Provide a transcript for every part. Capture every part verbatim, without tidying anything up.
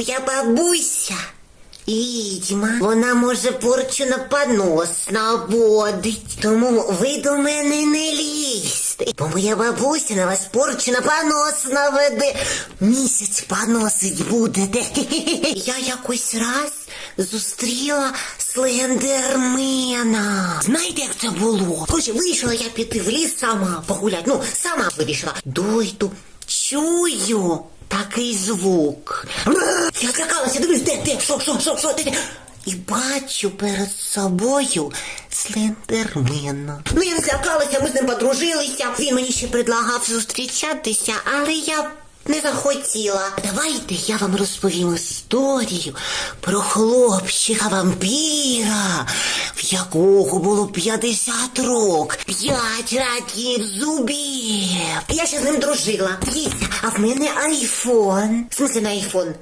Моя бабуся відьма. Вона може порчу на понос наводить. Тому ви до мене не лізьте. Бо моя бабуся на вас порчу на понос наведе. Місяць поносить будете. Я якось раз зустріла слендермена. Знаєте, як це було? Короче, вирішила я піти в ліс сама погуляти. Ну, сама вирішила. Дойду, чую такий звук. Я злякалася, дивись, де, де, що, що, що, що, де, де. І бачу перед собою слендермена. Ну, я не злякалася, ми з ним подружилися. Він мені ще предлагав зустрічатися, але я не захотіла. Давайте я вам розповім історію про хлопчика-вампіра, в якого було п'ятдесят років, п'ять років зубів. Я ще з ним дружила. Дивіться, а в мене айфон. В смысле на айфон?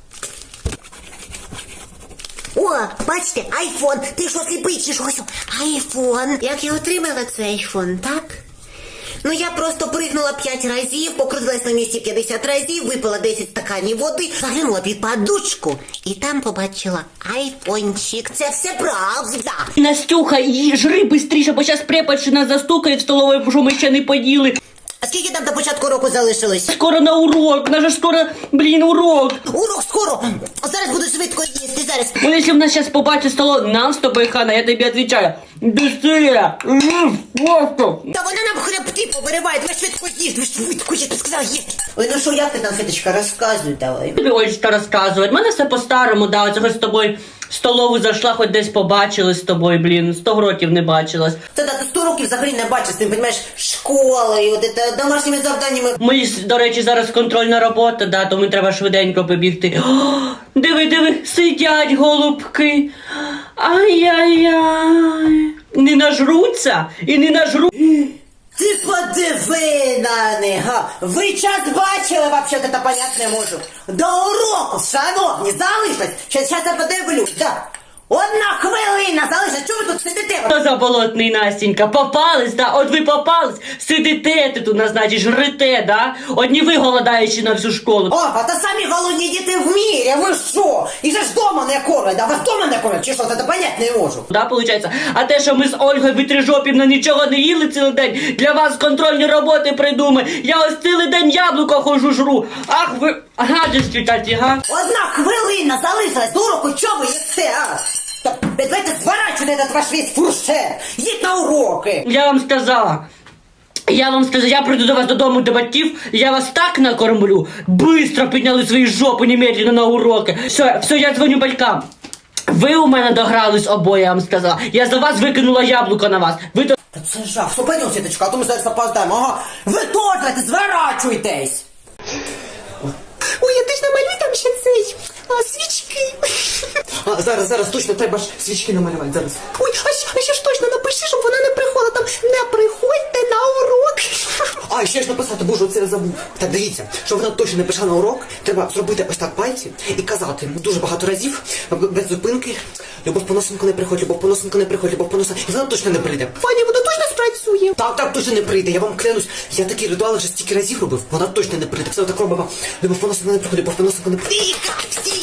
О, бачите, айфон. Ти що, сліпий чи що? Айфон. Як я отримала цей айфон, так? Ну, я просто пригнула п'ять разів, покрутилась на місці п'ятдесят разів, випила десять стаканів води, заглянула під подушку і там побачила айфончик. Це все правда. Настюха, і жри бистріше, бо зараз преподщина застукає в столовій, що ми ще не поїли. А скільки там до початку року залишилось? Скоро на урок, наш скоро, блін, урок. Урок скоро. Зараз буду швидко їсти, зараз. Ну, якщо в нас зараз побачить столо, нам з тобою, Хана, я тобі відповідаю. Быстрее! Просто! Та вона нам хребти повириває, ви швидко їж, ви швидко їж, ти сказала їж. Ой, ну що, як ти там, Феточка, розказуй давай. Тобі ось що розказувати. Мене все по-старому, да, оце хоч з тобою в столову зайшла, хоч десь побачилась з тобою, блін, сто років не бачилась. Це да, ти сто років взагалі не бачиш, ти, розумієш, школою, от це, домашніми завданнями. Ми, до речі, зараз контрольна робота, да, тому треба швиденько побігти. О, диви, диви, сидять голубки. Ай-яй-яй. Не нажруться і не нажру. Ти подиви на них, га. Ви час бачили, вообще-то, та понять не можу. До уроку, шановні, залишилось. Щас, щас я подивлюсь, да. Одна хвилина залишилась, чого ви тут сидите? Хто за болотний, Настенька? Попались, да? От ви попались, сидите ти тут, значить, жрете, да? Одні ви голодаючи на всю школу. О, а то самі голодні діти в мірі, ви що? І же ж дома не кормять, а вас дома не кормять, чи що, це понять не можу. Да, получається? А те, що ми з Ольгою Витрижопівною нічого не їли цілий день, для вас контрольні роботи придумай. Я ось цілий день яблуко хожу жру. Ах ви, гадості такі, га? Одна хвилина залишилась до уроку, чого ви їсте, а? Та давайте зворачуйте этот ваш весь фуршет, їдь на уроки. Я вам сказала. Я вам сказала, я прийду до вас додому до батьків, я вас так накормлю. Быстро підняли свої жопи немедленно на уроки. Все, все, я дзвоню батькам. Ви у мене догрались обоє, я вам сказала. Я за вас викинула яблуко на вас. Ви до... Та це жах, все, пойдем, Сіточка, а то ми зараз опоздаємо, ага. Ви теж зворачуйтесь. Ой, я теж намалюю там ще цей, а, свічки. А, зараз, зараз, точно, треба ж свічки намалювати, зараз. Ой, а ще, а ще ж точно напиши, щоб вона не приходила, там, не приходьте на урок. А, ще ж написати, боже, оце я забув. Так, дивіться, щоб вона точно не пішла на урок, треба зробити ось так пальці і казати дуже багато разів, без зупинки, Любов Поносенко не приходь, Любов Поносенко не приходь, Любов Поносенко, і вона точно не прийде. Ваня, вона точно спрацює? Так, так, точно не прийде, я вам клянусь, я такі ритуали вже стільки разів робив, вона точно не прийде, все так робимо, Любов Поносенко не приходь, Любов Поносенко не приходь. Тихо, всі!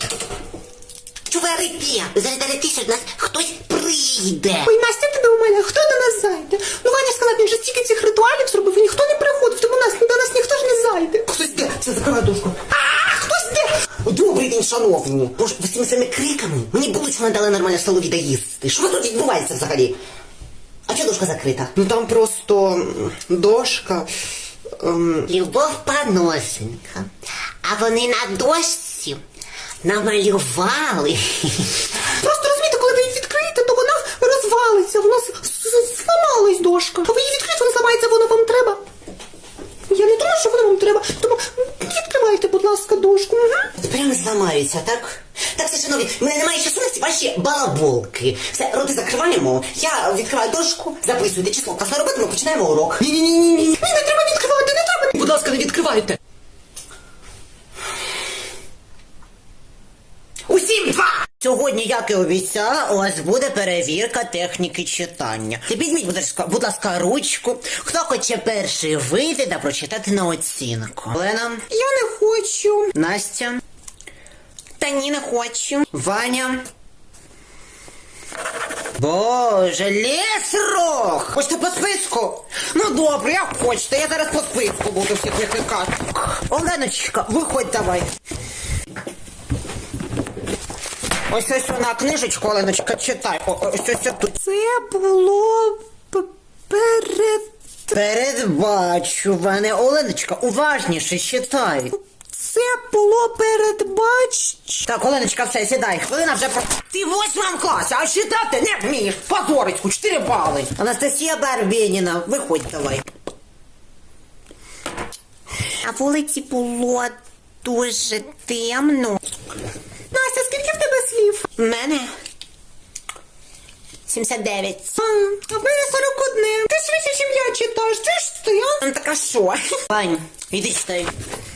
Чуварики, зараз дайте, що до нас хтось прийде. Ой, Настя, ти до мене, хто до нас зайде? Ну, Ваня сказав, він же стільки цих ритуалів зробив, і ніхто не приходив, тому нас, до нас ніхто ж не зайде. Хтось де, все, закривай дошку. А, хтось де? Добрий день, шановні. Боже, ви з цими своїми криками мені булочку не дали нормально в столові доїсти. Що тут відбувається взагалі? А чого дошка закрита? Ну там просто м, дошка... Ем... Любов Поносенка. А вони на дошці намалювали. Просто розумієте, коли ви її відкриєте, то вона розвалиться. Вона зламалась дошка. А ви її відкриєте, вона зламається, воно вам треба. Я не думаю, що воно вам треба. Тому відкривайте, будь ласка, дошку. Угу. Прямо зламаються, так? Так, все, шановні, в мене немає часу на ці ваші балаболки. Все, роти закриваємо. Я відкриваю дошку, записуйте число. Класна робота, ми починаємо урок. Ні-ні-ні-ні. Ні, не треба відкривати, не треба. Будь ласка, не відкривайте. Усім два! Сьогодні, як і обіцяла, у вас буде перевірка техніки читання. Ти візьміть, будь ласка, будь ласка, ручку. Хто хоче перший вийти та прочитати на оцінку? Лена? Я не хочу. Настя? Та ні, не хочу. Ваня. Боже, лісрох! Хочете по списку? Ну добре, як хочете, я зараз по списку буду всіх викликати. Оленочка, виходь давай. Ось ось вона книжечку, Оленочка, читай. О, ось ось тут. Це було перед... Передбачуване. Оленочка, уважніше читай. Це було передбач... Так, Оленочка, все, сідай. Хвилина вже про... Ти в восьмому класі, а читати не вмієш. Позорицьку, чотири бали. Анастасія Барбєніна, виходь давай. А вулиці було дуже темно. Настя, скільки в тебе слів? В мене сімдесят дев'ять. А, а в мене сорок один. Ти швидше, ніж я читаєш. Ти ж ти, а? Ну так а що? Вань, іди читай.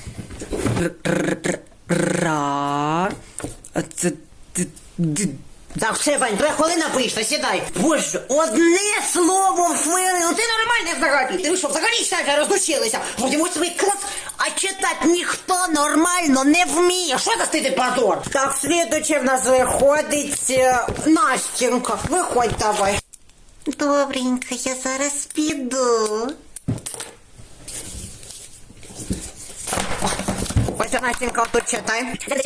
Ра. Це... Так, все, Вань, твоя хвилина вийшла, сідай. Боже, одне слово в хвилину. Ти нормальний взагалі. Ти що, взагалі читати розлучилися? Вроді восьмий клас, а читати ніхто нормально не вміє. Що за стидий позор? Так, слідуче в нас виходить е, Настінка. Виходь давай. Добренько, я зараз піду. Ось Настенька, тут читай.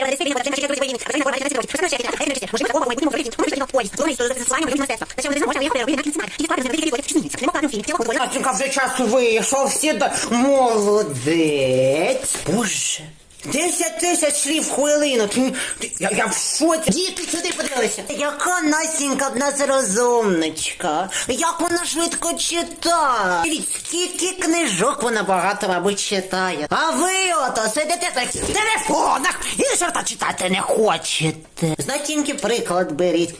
Настенька, вже час вийшов, сідай. Молодець. Боже. Десять тисяч слів в хвилину. Ти, ти, я, я в шоці. Діти, сюди подивися. Яка Настенька в нас розумничка. Як вона швидко читає. Дивіться, скільки книжок вона багато, мабуть, читає. А ви ото сидите так в телефонах і чорта читати не хочете. З Настіньки приклад беріть.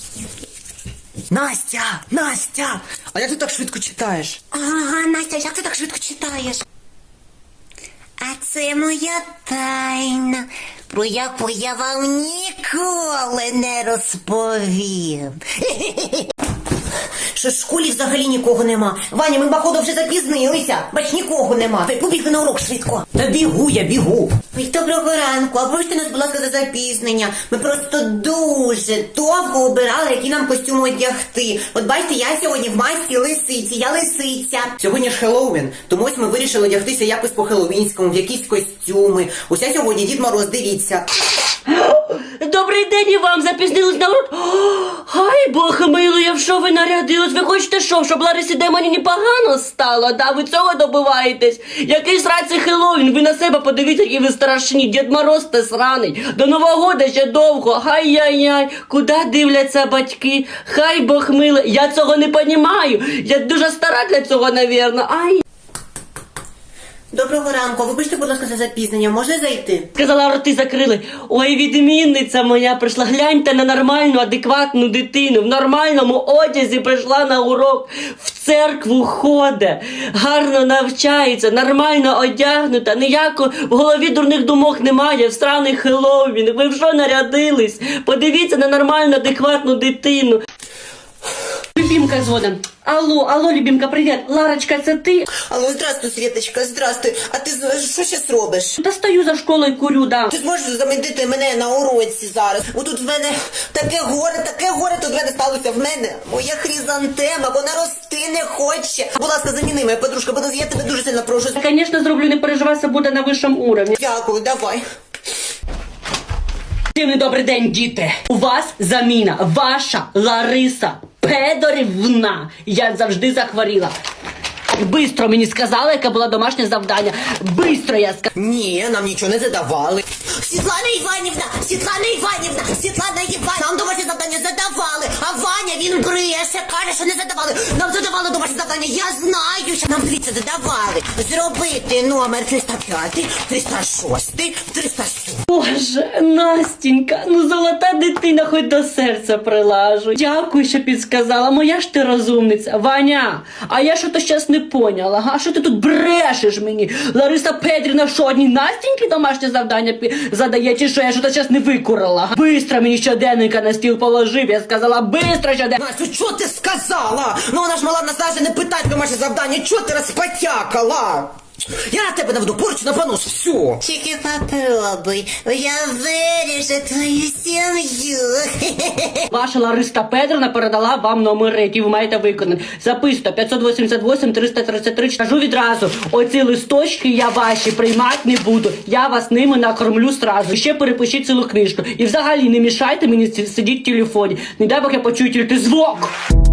Настя, Настя, а як ти так швидко читаєш? Ага, Настя, як ти так швидко читаєш? А це моя тайна, про яку я вам ніколи не розповім. Що в школі взагалі нікого нема. Ваня, ми, походу, вже запізнилися. Бач, нікого нема. Ти побігли на урок швидко. Та бігу, я бігу. Ой, доброго ранку. А вибачте нас, будь ласка, за запізнення. Ми просто дуже довго обирали, які нам костюми одягти. От бачите, я сьогодні в масці лисиці. Я лисиця. Сьогодні ж Хеллоуін, тому ось ми вирішили одягтися якось по-хеллоуінському, в якісь костюми. Ось я сьогодні Дід Мороз, дивіться. Добрий день і вам, запізнились на урок. Ай, Бог милує, в що ви нарядились? Ви хочете що, щоб Ларисі Демоніні погано стало? Да, ви цього добиваєтесь? Який сраці Хеллоуін? Ви на себе подивіться, які ви страшні. Дід Мороз те сраний. До Нового года ще довго. Ай-яй-яй. Куди дивляться батьки? Хай Бог милує. Я цього не понімаю. Я дуже стара для цього, навірно. Ай. Доброго ранку. Вибачте, будь ласка, за запізнення. Можна зайти? Сказала, роти закрили. Ой, відмінниця моя прийшла. Гляньте на нормальну, адекватну дитину. В нормальному одязі прийшла на урок. В церкву ходить. Гарно навчається, нормально одягнута. Ніяко в голові дурних думок немає. В сраний Хеллоуін. Ви в що нарядились? Подивіться на нормальну, адекватну дитину. Любімка згодом. Алло, алло, Любімка, привіт. Ларочка, це ти? Алло, здравствуй, Світочка, здравствуй. А ти з- що зараз робиш? Та стою за школою, курю, да. Ти зможеш замінити мене на уроці зараз? Бо тут в мене таке горе, таке горе тут в мене сталося. В мене моя хризантема, вона рости не хоче. Будь ласка, заміни мене, подружка, будь ласка, я тебе дуже сильно прошу. Звісно, зроблю, не переживай, все буде на вищому уровні. Дякую, давай. Дивний добрий день, діти. У вас заміна. Ваша Лариса Педорівна. Я завжди захворіла. Бистро мені сказали, яке було домашнє завдання. Бистро я сказала. Ні, нам нічого не задавали. Світлана Іванівна, Світлана Іванівна, Світлана Іванівна, нам домашнє завдання задавали, а Ваня, він бреше, каже, що не задавали. Нам задавали домашнє завдання, я знаю, що нам, дивіться, задавали. Зробити номер триста п'ять, триста шість, триста сім. Боже, Настінька, ну золота дитина, хоч до серця прилажу. Дякую, що підсказала. Моя ж ти розумниця. Ваня, а я що то щас не поняла, га? Що ти тут брешеш мені? Лариса Петрівна, що одній Настіньки домашнє завдання пі- задає, чи що я що то щас не викурила? га? Бистро мені щоденника на стіл положив, я сказала, бистро щоденника. Настю, що ти сказала? Ну вона ж мала нас навіть не питати домашнє завдання, чого ти розпотякала? Я на тебе наведу порчу на понос, все. Тільки попробуй, я виріжу твою сім'ю. Ваша Лариса Петрівна передала вам номери, які ви маєте виконати. Записуйте п'ятсот вісімдесят вісім триста тридцять три. Кажу відразу, оці листочки я ваші приймати не буду. Я вас ними накормлю сразу. Ще перепишіть цілу книжку. І взагалі не мішайте мені сидіти в телефоні. Не дай Бог я почую тільки звук.